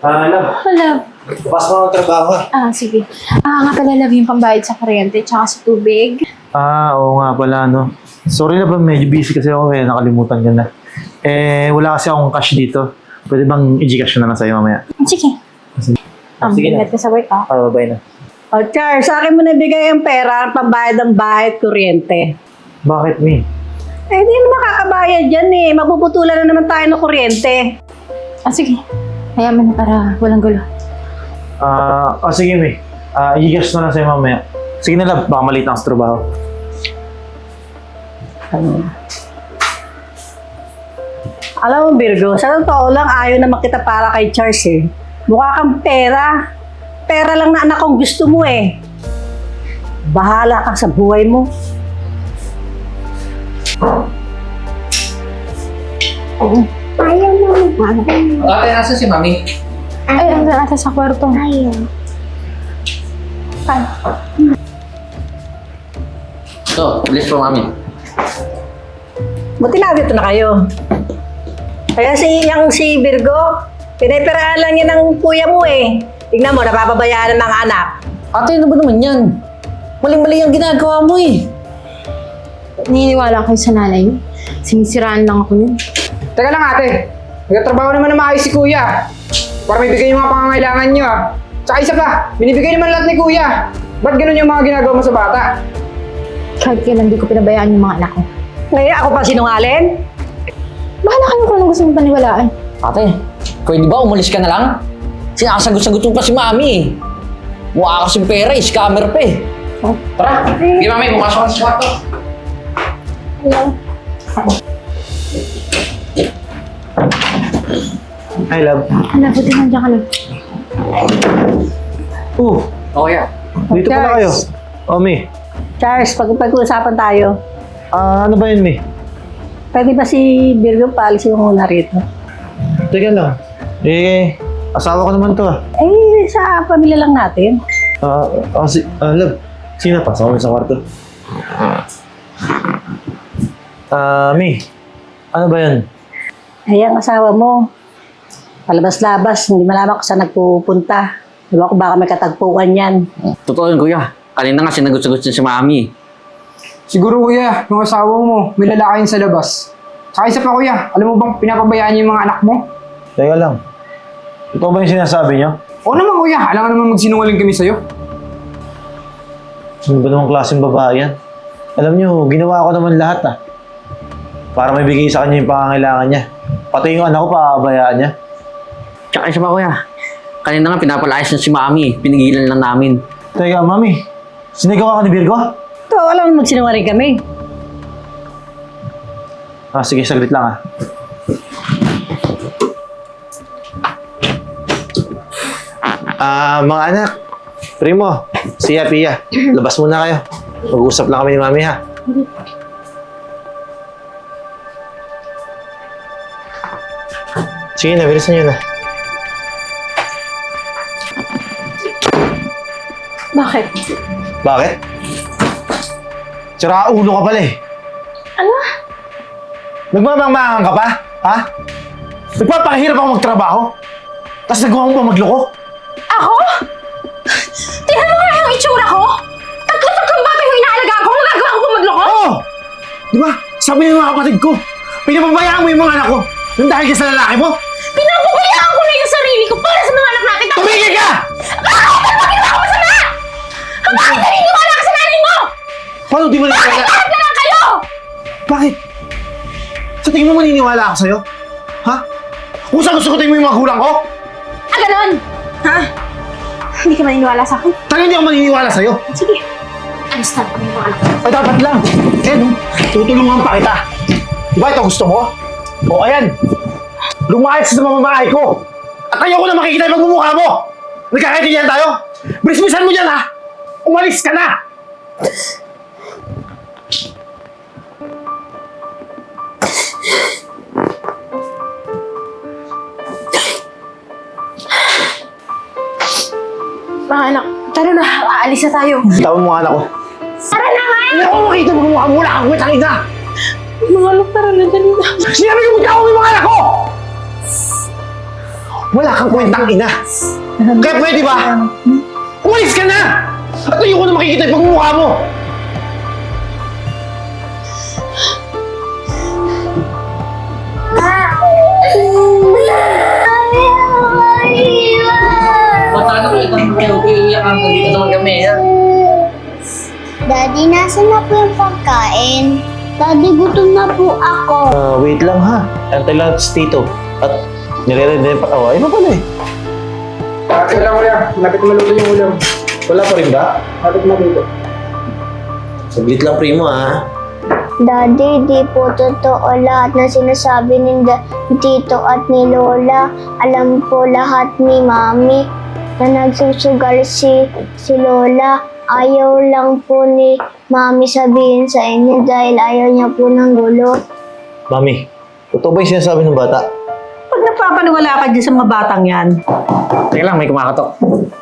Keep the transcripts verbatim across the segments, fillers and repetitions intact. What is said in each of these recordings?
Ah, love. Oh, love. Bukas mo ang trabaho. Ah, sige. Ah, nga pala, love, yung pambayad sa kuryente tsaka sa tubig. Ah, oo nga pala, no. Sorry na ba, medyo busy kasi ako eh, nakalimutan ko na. Eh, wala kasi akong cash dito. Pwede bang i-gcash na lang sa'yo mamaya? Sige. Sige, Um, sige na. ingat ka sa work, ah. Ah, bye na. O, Char, sa akin mo nabigay ang pera, ang pambayad ng bahay at kuryente. Bakit, Mi? Eh, di na makakabayad yan eh. Mapuputulan na naman tayo ng kuryente. Ah, sige. Hayaan mo na para walang gulo. Ah, oh, sige, Mi. Ah, i-gcash na lang sa'yo mamaya. Sige na, love. Baka maliit na ako sa trabaho. Alam mo, Virgo, sa totoo lang, ayaw naman kita para kay Charles eh. Mukha kang pera. Pera lang na anak kong gusto mo eh. Bahala ka sa buhay mo. Ayaw mo mag Ate, nasa si Mami? Ay, ang nasa sa kwarto. Ayaw. Pan. Ito, list po, Mami. Buti na dito na kayo. Kaya si yung si Virgo, pinipiraan lang yan ng kuya mo eh. Tignan mo, napapabayaan ng mga anak. Ate, ano ba naman yan? Maling-mali ang ginagawa mo eh. Naniniwala kayo sa nanay niyo. Sinisiraan lang ako niyo. Teka lang ate, nagtatrabaho naman na maayos si kuya. Para may bigay yung mga pangangailangan niyo ah. Tsaka isa pa, binibigay naman lahat ni kuya. Ba't ganun yung mga ginagawa mo sa bata? Kahit kailan di ko pinabayaan yung mga anak ko. Ngayon ako pa sinungaling? Bahala kayo kung anong gusto mong paniwalaan. Ate, pwede ba umalis ka na lang? Sinasagot-sagot mo pa si Mami eh. Mukha kasing pera eh, scammer pa eh. Tara, hindi Mami, pumasok ka sa kwarto. Hello? Hi, love. Hala, buti nandiyan ka lang. Oh, Okay ah. dito pala kayo. Oh, Mi. Charles, pag pag-uusapan tayo, Ah, ano ba yun, Mi? pwede ba si Virgo paalisin mo muna rito? Teka lang. Eh, asawa ko naman to ah. Eh, sa pamilya lang natin. Ah, uh, si, ah, love. Sino pa? Sa sa kwarto. Ah, Mi. Ano ba yun? Ay, ang asawa mo, palabas-labas, hindi malaman kung saan nagpupunta. Diba ko baka may katagpuan yan. Totoo yun, kuya. Kanina nga sinagot-sagot siya si Mami. Siguro kuya, yung asawa mo, may lalaki yun sa labas. Tsaka isa pa kuya, alam mo bang pinapabayaan niyo yung mga anak mo? Teka lang. Ito ba yung sinasabi niyo? Oo naman kuya, alam nga naman magsinungaling kami sa'yo. Ano ba namang klaseng babae yan? Alam niyo, ginawa ko naman lahat ah. Para may bigay sa kanya yung pangangailangan niya. Pati yung anak ko, paabayaan niya. Tsaka isa pa, kuya. Kanina nga pinapalayas na si Mami. Pinigilan lang namin. Teka, Mami. Sinigaw ka ni Virgo? Ito, alam mo magsinungaling kami. Ah, sige, saglit lang ah. Ah, mga anak. Primo, siya, Pia. Labas muna kayo. Mag-uusap lang kami ni Mami ha. Sige na, bilisan nyo na. Bakit? Bakit? Tsara ulo ka pala eh. Ano? Nagmamangmangan ka pa? Ha? Nagpapakahirap ako magtrabaho? Tapos nagawa mo pa magloko? Ako? Tingnan mo nga yung itsura ko! Tatlo-tatlong bata yung inaalagaan ko! Magagawa ko pa magloko? Oo! Di ba? Sabi ng mga kapatid ko, pinapabayaan mo yung mga anak ko nang dahil ka sa lalaki mo? Pinapabayaan ko na yung sarili ko para sa mga anak natin! Tapos... Tumigil ka! Bakit? Ano ba ginawa ko masama? Ang bakit naniniwala ka sa nanay mo? Paano di mo Bakit naniniwala? lahat na lang kayo? Bakit? Sa tingin mo maniniwala ako sa'yo? Ha? Kung saan gusto ko tingin mo yung mga gulang ko? Ah, ganon? Ha? Hindi ka maniniwala sa akin? Talaga hindi ako maniniwala sa'yo. Sige. Alis na kami mga anak ko. Ay, dapat lang. Eh, no? Tutulungan pa kita. Di ba ito gusto mo? O, ayan. Lumayas sa mamamahay ko. At ayaw ko na makikita yung magmumukha mo. Nagkakaintindihan tayo? Brisbisan mo dyan, ha? Umalis ka na! Mga anak, tara na. Aalis na tayo. Tawag mo anak ko. Tara na nga! Ayaw ko makita yung magmumukha mo. Wala kang kwenta kita. Mga anak, tara na. Dali na. Sinabi ko mo, tawag mo yung mga anak ko! Wala kang kwentang ina. Kaya pwede ba? Umalis ka na! At ayoko na makikita yung pagmumukha mo! Paano ko itang iiyak ang dito naman kami, ha? Daddy, nasan na po yung pagkain? Daddy, gutom na po ako. Ah, wait lang ha. Antay lang si Tito. At nire-ready na yung patawa. Ano pala eh? Ah, wala kuya. Malapit maluto yung ulam. Wala pa rin ba? Malapit maluto. Saglit lang, primo ha. Daddy, di po totoo lahat na sinasabi ni Da- Tito at ni Lola. Alam po lahat ni Mami na nagsusugal si, si Lola. Ayaw lang po ni Mami sabihin sa inyo dahil ayaw niya po ng gulo. Mami, totoo ba yung sinasabi ng bata? Pag napapaniwala ka dyan sa mga batang yan, Teka lang, may kumakatok.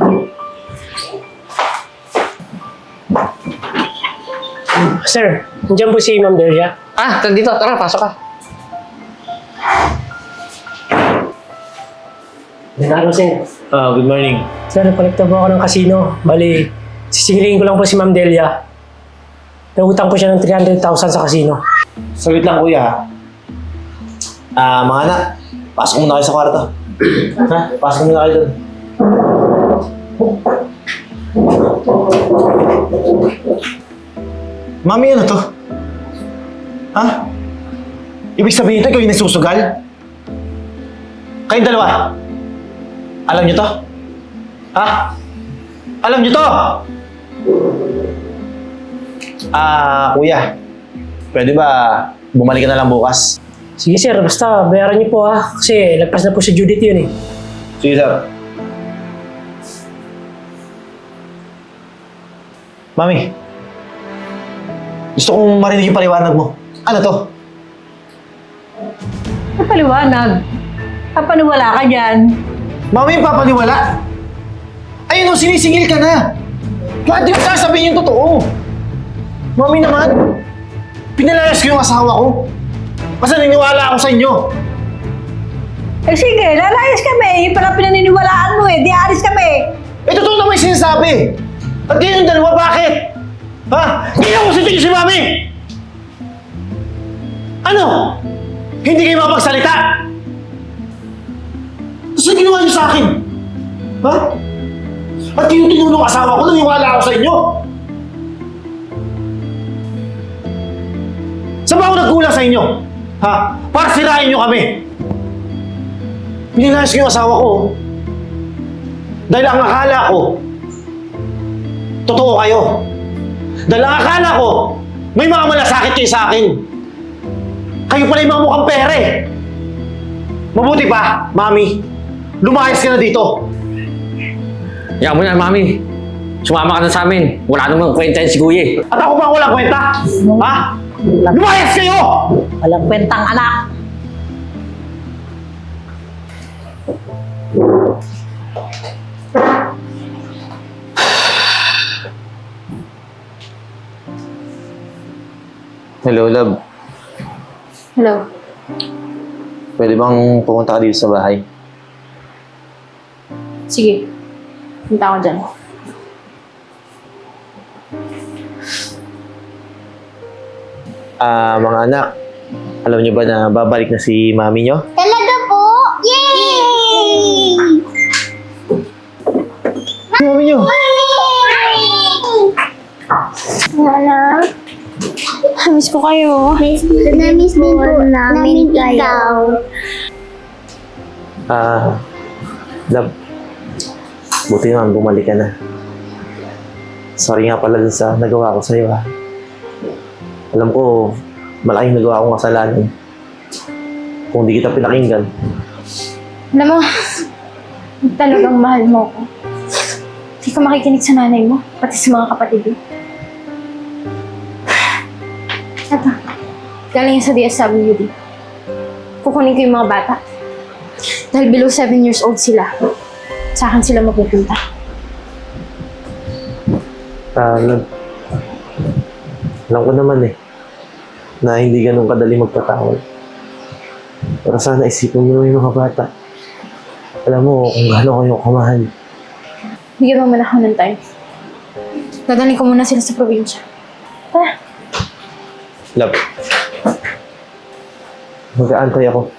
Sir, nandiyan po si Ma'am Delia. Ah, tara dito. Tara, pasok ka. Nanalo, sir. Ah, good morning. Sir, nagkolekta po ako ng kasino. Bali, sisingilin ko lang po si Ma'am Delia. Nautang ko siya ng three hundred thousand sa kasino. Saglit lang kuya ha. Ah, mga anak, pasok muna kayo sa kwarto. Ha? Pasok muna kayo doon. Mami, ano to? Ha? Ibig sabihin ito, ikaw yung nagsusugal? Kayong dalawa? Alam niyo to? Ha? Alam niyo to? Ah, kuya. Pwede ba bumalik ka na lang bukas? Sige sir, basta bayaran niyo po ha. Kasi lagpas na po si Judith yun eh. Sige, sir. Mami, gusto kong marinig yung paliwanag mo. Ano to? napaliwanag. Papaniwala ka dyan. Mami, papaniwala? Ayun o, sinisingil ka na. Bakit di mo sasabihin yung totoo? Mami naman, pinalayas ko yung asawa ko. Kasi naniniwala ako sa inyo. Eh sige, lalayas kami. Yung pala pinaniniwalaan mo eh. Di alis kami. Eh, totoo naman yung sinasabi. At kayo yung dalawa, bakit? Ha? Hindi ako sa si Mami! Ano? Hindi kayo makapagsalita? Tapos ang ginawa niyo sa akin? Ha? At yung tinulong asawa ko, naniwala ako sa inyo. Saan ba ako nagkulang sa inyo? Ha? Para sirain niyo kami. Pinilayas ko yung asawa ko. Dahil ang akala ko, totoo kayo. Dahil ang akala ko, may mga malasakit kayo sa akin. Kayo pala yung mga mukhang pere. Mabuti pa, Mami. Lumayas ka na dito. Yan mo na, Mami. Sumama ka na sa amin. Wala namang kwenta yan si Kuya eh. At ako ba walang kwenta? Ha? Lumayas kayo! Walang kwentang anak. Hello, love. Hello. Pwede bang pumunta ka dito sa bahay? Sige. Punta ako dyan. Ah, mga anak, alam niyo ba na babalik na si Mami niyo? Talaga po? Yay! Mami niyo? Nana? Miss ko kayo. Miss, na-miss din po namin kayo. Ah, love. Buti naman bumalik ka na. Sorry nga pala dun sa nagawa ko sa'yo ha. Alam ko, malaking nagawa akong kasalanan. Kung di kita pinakinggan. Alam mo, talagang mahal mo ako. Hindi ka makikinig sa nanay mo, pati sa mga kapatid mo. Eto, galing yan sa D S W D. Kukunin ko yung mga bata. Dahil below seven years old sila, sa akin sila mapupunta. Ah, love. Alam ko naman eh, na hindi ganun kadali magpatawad. Pero sana isipin mo yung mga bata. Alam mo kung gaano ko yung kamahal. Bigyan mo muna ako ng time. Dadalhin ko muna sila sa probinsya. Tara. Love. Mag-aantay ako.